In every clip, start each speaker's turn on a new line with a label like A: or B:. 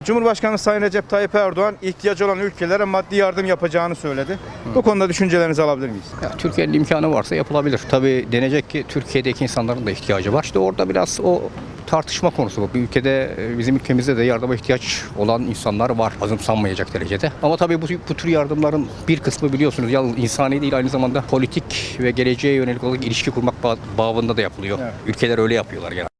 A: Cumhurbaşkanı Sayın Recep Tayyip Erdoğan ihtiyacı olan ülkelere maddi yardım yapacağını söyledi. Bu konuda düşüncelerinizi alabilir miyiz?
B: Ya, Türkiye'nin imkanı varsa yapılabilir. Tabii denecek ki Türkiye'deki insanların da ihtiyacı var. İşte orada biraz o tartışma konusu bu. Bir ülkede, bizim ülkemizde de yardıma ihtiyaç olan insanlar var. Azımsanmayacak derecede. Ama tabii bu tür yardımların bir kısmı biliyorsunuz yalnız insani değil, aynı zamanda politik ve geleceğe yönelik olarak ilişki kurmak babında da yapılıyor.
A: Evet.
B: Ülkeler öyle yapıyorlar genelde.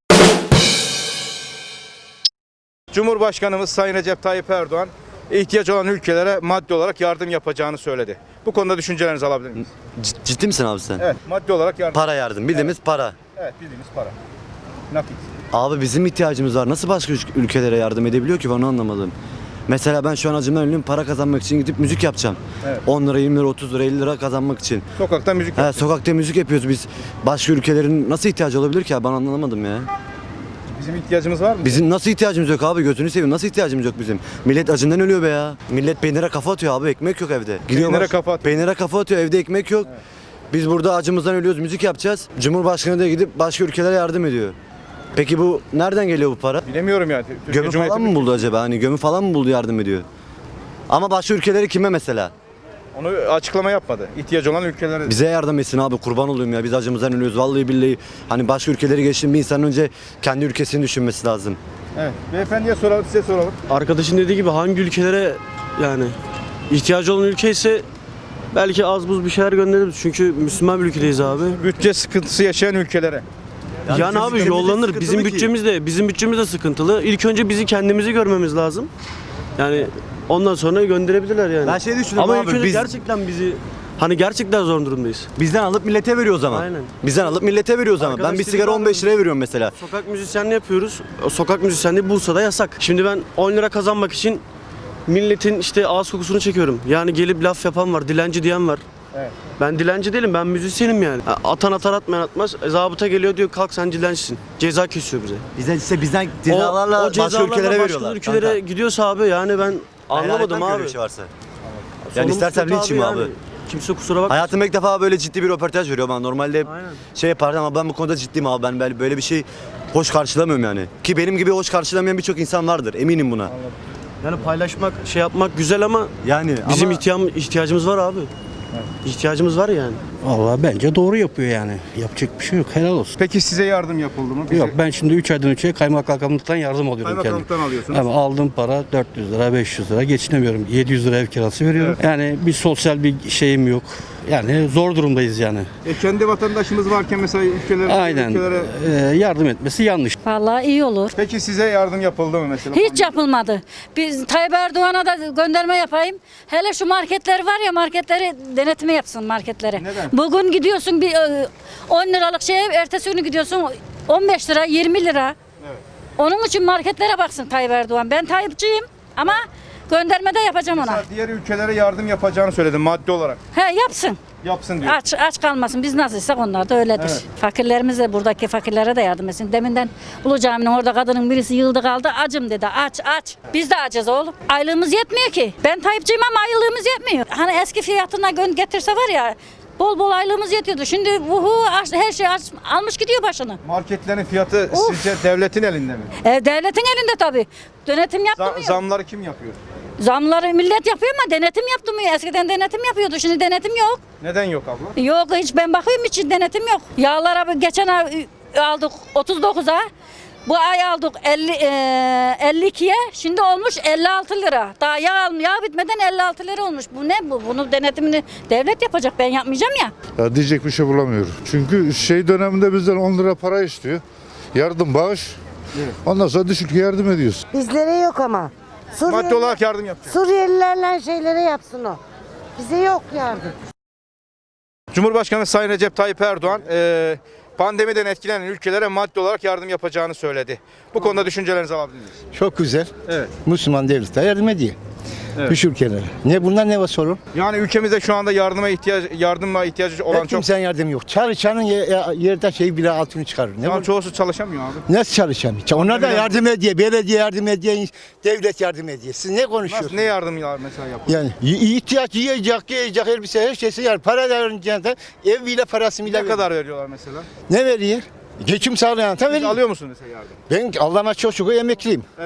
A: Cumhurbaşkanımız Sayın Recep Tayyip Erdoğan ihtiyacı olan ülkelere maddi olarak yardım yapacağını söyledi. Bu konuda düşüncelerinizi alabilir miyiz?
C: Ciddi misin abi sen?
A: Evet, maddi olarak yardım.
C: Para yardım. Bildiğimiz para.
A: Evet, bildiğimiz para. Nakit.
C: Abi bizim ihtiyacımız var. Nasıl başka ülkelere yardım edebiliyor ki, onu anlamadım. Mesela ben şu an acımdan ölüyorum, para kazanmak için gidip müzik yapacağım.
A: Evet.
C: 10 lira, 20 lira, 30 lira, 50 lira kazanmak için.
A: Sokakta müzik yapıyoruz.
C: Sokakta müzik yapıyoruz biz. Başka ülkelerin nasıl ihtiyacı olabilir ki abi? Ben anlamadım ya.
A: Bizim ihtiyacımız var mı?
C: Bizim nasıl ihtiyacımız yok abi? Gözünü seveyim, nasıl ihtiyacımız yok bizim? Millet acından ölüyor be ya. Millet peynire kafa atıyor abi, ekmek yok evde.
A: Peynire kafa atıyor.
C: Peynire kafa atıyor, evde ekmek yok. Evet. Biz burada acımızdan ölüyoruz, müzik yapacağız. Cumhurbaşkanı da gidip başka ülkelere yardım ediyor. Peki bu nereden geliyor bu para?
A: Bilemiyorum yani.
C: Gömü falan mı buldu acaba? Hani gömü falan mı buldu, yardım ediyor? Ama başka ülkeleri kime mesela?
A: Onu açıklama yapmadı. İhtiyacı olan ülkelere.
C: Bize yardım etsin abi, kurban olayım ya. Biz acımızdan ölüyoruz vallahi billahi. Hani başka ülkeleri geçtim, bir insanın önce kendi ülkesini düşünmesi lazım.
A: Evet. Beyefendiye soralım, size soralım.
D: Arkadaşın dediği gibi hangi ülkelere yani ihtiyacı olan ülke ise belki az buz bir şeyler göndeririz. Çünkü Müslüman bir ülkedeyiz abi.
A: Bütçe sıkıntısı yaşayan ülkelere.
D: Yani abi yollanır. Bizim bütçemiz de sıkıntılı. İlk önce bizi kendimizi görmemiz lazım. Yani ondan sonra gönderebilirler yani.
C: Ben şey düşünüyorum
D: ama
C: abi,
D: ilk önce
C: biz-
D: gerçekten hani gerçekten zor durumdayız.
C: Bizden alıp millete veriyor o zaman.
D: Aynen.
C: Bizden alıp millete veriyor o zaman.
D: Arkadaş
C: Ben bir
D: dedi
C: sigara
D: ki
C: 15 liraya veriyorum mesela.
D: Sokak müzisyenliği yapıyoruz. O sokak müzisyenliği Bursa'da yasak. Şimdi ben 10 lira kazanmak için milletin işte ağız kokusunu çekiyorum. Yani gelip laf yapan var, dilenci diyen var.
A: Evet.
D: Ben dilenci değilim, ben müzisyenim yani. Atan atar, atmayan atmaz. Zabıta geliyor diyor kalk sen dilencisin. Ceza kesiyor bize.
C: Bizden cezalarla başka ülkelere veriyorlar.
D: Başka ülkelere gidiyorsa abi yani ben anlamadım abi.
C: Bir şey varsa. Yani
D: Sonumuz
C: istersen
D: kötü
C: linçim abi.
D: Kimse kusura bakmasın.
C: Hayatımda ilk defa böyle ciddi bir röportaj veriyor bana. Normalde
D: Aynen.
C: şey yapardım ama ben bu konuda ciddiyim abi. Ben böyle bir şey hoş karşılamıyorum yani. Ki benim gibi hoş karşılamayan birçok insan vardır. Eminim buna.
D: Yani paylaşmak, şey yapmak güzel ama
C: Yani
D: bizim
C: ama
D: ihtiyacımız var abi. İhtiyacımız var yani.
E: Vallahi bence doğru yapıyor yani. Yapacak bir şey yok. Helal olsun.
A: Peki size yardım yapıldı mı?
E: Yok, ben şimdi 3 aydan önce kaymakamlıktan yardım alıyorum kendim.
A: Kaymakamlıktan alıyorsunuz.
E: Ama aldığım para 400 lira, 500 lira geçinemiyorum. 700 lira ev kirası veriyorum. Yani bir sosyal bir şeyim yok. Yani zor durumdayız yani.
A: Kendi vatandaşımız varken mesela
E: Aynen. Yardım etmesi yanlış.
F: Vallahi iyi olur.
A: Peki size yardım yapıldı mı mesela?
F: Hiç yapılmadı. Biz Tayyip Erdoğan'a da gönderme yapayım. Hele şu marketler var ya, marketleri denetimi yapsın marketlere.
A: Neden?
F: Bugün gidiyorsun bir 10 liralık şeye, ertesi günü gidiyorsun 15 lira 20 lira.
A: Evet.
F: Onun için marketlere baksın Tayyip Erdoğan. Ben Tayyipçiyim ama gönderme de yapacağım ona.
A: Mesela diğer ülkelere yardım yapacağını söyledi maddi olarak.
F: He, yapsın.
A: Yapsın diyor.
F: Aç kalmasın. Biz nasılsak onlar da öyledir.
A: Evet.
F: Fakirlerimiz de, buradaki fakirlere de yardım etsin. Deminden Ulu Cami'nin orada kadının birisi yıldı kaldı. Acım dedi. Aç. Biz de acız oğlum. Aylığımız yetmiyor ki. Ben Tayyipçiyim ama aylığımız yetmiyor. Hani eski fiyatına getirse var ya, bol bol aylığımız yetiyordu. Şimdi her şey almış gidiyor başını.
A: Marketlerin fiyatı
F: Of.
A: sizce devletin elinde mi?
F: Devletin elinde tabii. Denetim yaptırmıyor.
A: Zamları kim yapıyor?
F: Zamları millet yapıyor ama denetim yaptırmıyor. Eskiden denetim yapıyordu. Şimdi denetim yok.
A: Neden yok abla?
F: Yok, hiç ben bakıyorum, hiç denetim yok. Yağlara geçen ay aldık 39'a. Bu ay aldık 52'ye. Şimdi olmuş 56 lira. Daha yağ bitmeden 56 lira olmuş. Bu ne bu? Bunu denetimini devlet yapacak. Ben yapmayacağım ya.
G: Ya diyecek bir şey bulamıyorum. Çünkü şey döneminde bizden 10 lira para istiyor. Yardım, bağış.
A: Evet.
G: Ondan sonra dış ülkeye yardım ediyoruz.
H: Bizlere yok ama.
A: Maddi olarak yardım yapacak.
H: Suriyelilerle şeylere yapsın o. Bize yok yardım.
A: Cumhurbaşkanı Sayın Recep Tayyip Erdoğan pandemiden etkilenen ülkelere maddi olarak yardım yapacağını söyledi. Bu konuda düşüncelerinizi alabilir miyiz?
I: Çok güzel.
A: Evet.
I: Müslüman devletler yardım ediyor.
A: Evet.
I: Dış ülkelere. Ne bunlar ne var sorun?
A: Yani ülkemizde şu anda yardıma ihtiyacı olan çok.
I: Kimsenin yardım yok. Çalışanın yerde şey bile altını çıkarır. Ne
A: Şu an
I: var?
A: çoğusu çalışamıyor abi.
I: Nasıl çalışamıyor? Onlar da yardım ediyor. Belediye yardım ediyor. Devlet yardım ediyor. Siz ne konuşuyorsunuz?
A: Nasıl, ne yardım mesela yapıyor?
I: Yani ihtiyaç yiyecek, elbise her şeysi yer. Para verince de ev bile parası bile
A: Ne kadar veriyorlar mesela?
I: Ne veriyor? Geçim sağlayan da
A: Siz
I: veriyor.
A: alıyor musun mesela yardım?
I: Ben Allah'ıma çok şükür emekliyim.
A: Evet.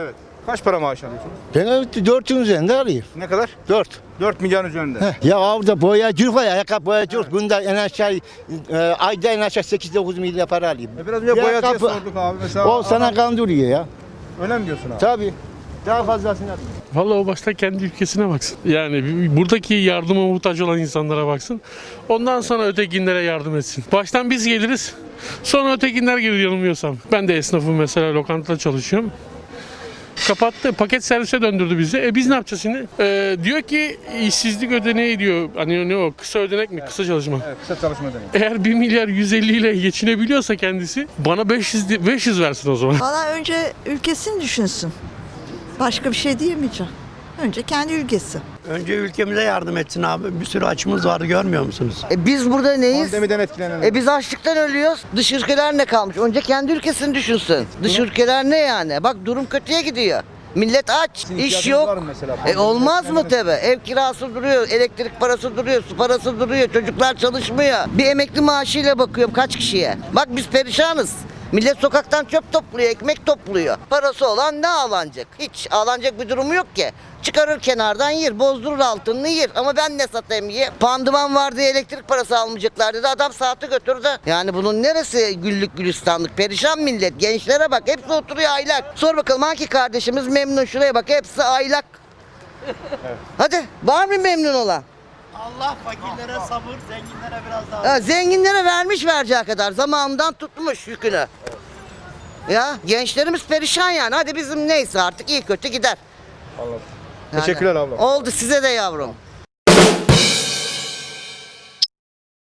A: Kaç para maaş alıyorsunuz?
I: Ben 4'ün üzerinde alayım.
A: Ne kadar?
I: 4.
A: 4 milyon üzerinde.
I: Ya orada boyacılık var ya, ayakkabı boyacılık. Bunda en aşağı ayda en aşağı 8-9 milyar para alayım.
A: Biraz önce
I: Bir
A: boyacıya
I: ayakkabı-
A: sorduk abi. Mesela
I: O sana kandırıyor ya.
A: öyle mi diyorsun abi?
I: Tabii. Daha fazlasını alayım.
J: Vallahi o başta kendi ülkesine baksın. Yani buradaki yardıma muhtaç olan insanlara baksın. Ondan sonra ötekinlere yardım etsin. Baştan biz geliriz. Sonra ötekinler gelir yanılmıyorsam. Ben de esnafım mesela, lokantada çalışıyorum. Kapattı, paket servise döndürdü bizi. Biz ne yapacağız şimdi? Diyor ki işsizlik ödeneği diyor. Hani ne o? Kısa ödenek mi? Kısa çalışma.
A: Evet, kısa çalışma demek.
J: Eğer 1 milyar 150 ile geçinebiliyorsa kendisi bana 500 versin o zaman.
K: Valla önce ülkesini düşünsün. Başka bir şey diyemeyeceğim. Önce kendi ülkesi.
E: Önce ülkemize yardım etsin abi. Bir sürü açımız var, görmüyor musunuz?
H: Biz burada neyiz?
A: Pandemiden etkilenen.
H: Biz açlıktan ölüyoruz. Dış ülkeler ne kalmış? Önce kendi ülkesini düşünsün. Dış ülkeler ne yani? Bak durum kötüye gidiyor. Millet aç, iş yok. Olmaz mı tabi? Ev kirası duruyor, elektrik parası duruyor, su parası duruyor, çocuklar çalışmıyor. Bir emekli maaşıyla bakıyorum kaç kişiye. Bak biz perişanız. Millet sokaktan çöp topluyor, ekmek topluyor. Parası olan ne ağlanacak? Hiç ağlanacak bir durumu yok ki. Çıkarır kenardan yer, bozdurur altını yer. Ama ben ne satayım ye? Pandıman var diye elektrik parası almayacaklar dedi. Adam saati götürdü. Yani bunun neresi güllük gülistanlık? Perişan millet. Gençlere bak. Hepsi oturuyor aylak. Sor bakalım hangi kardeşimiz memnun? Şuraya bak. Hepsi aylak. Hadi. Var mı memnun olan?
E: Allah fakirlere sabır, zenginlere biraz daha.
H: Zenginlere vermiş vereceği kadar. Zamanından tutmuş yükünü. Ya gençlerimiz perişan yani. Hadi bizim neyse artık iyi kötü gider.
A: Anladım.
H: Yani
A: Teşekkürler abla.
H: oldu size de yavrum.